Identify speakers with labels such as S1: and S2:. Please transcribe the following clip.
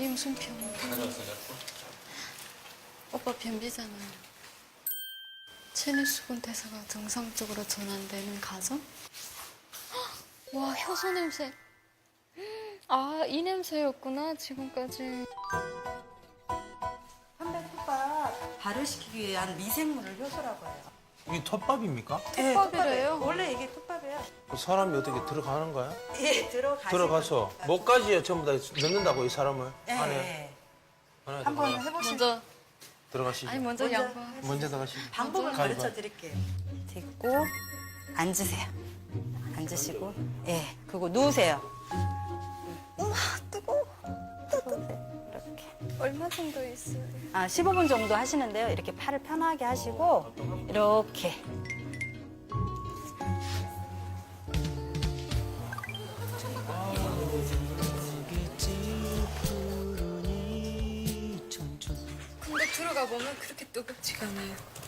S1: 무슨 변비? 오빠 변비잖아요. 체내수분 대사가 정상적으로 전환되는 과정? 와, 효소 냄새. 아, 이 냄새였구나, 지금까지.
S2: 톱밥 발효시키기 위한 미생물을 효소라고 해요.
S3: 이게 톱밥입니까?
S2: 네,
S1: 톱밥이래요?
S2: 원래 이게 톱밥이에요.
S3: 사람이 어떻게 들어가는 거야?
S2: 예,
S3: 들어가서 목까지 전부 다 넣는다고 이 사람을
S2: 네,
S3: 안에 안에
S2: 한번
S3: 들어가-
S2: 해보시죠.
S1: 먼저,
S3: 들어가시죠.
S1: 아니, 먼저
S2: 먼저
S1: 양보.
S3: 먼저 들어가시죠.
S2: 방법을
S3: 가위바위보.
S2: 가르쳐 드릴게요. 딛고 앉으세요. 앉으시고, 예, 그리고 누우세요. 우와, 뜨거워. 뜨거워. 이렇게.
S1: 얼마 정도 있어요?
S2: 15분 정도 하시는데요. 이렇게 팔을 편하게 하시고, 이렇게.
S1: 근데 들어가 보면 그렇게 뜨겁지가 않아요.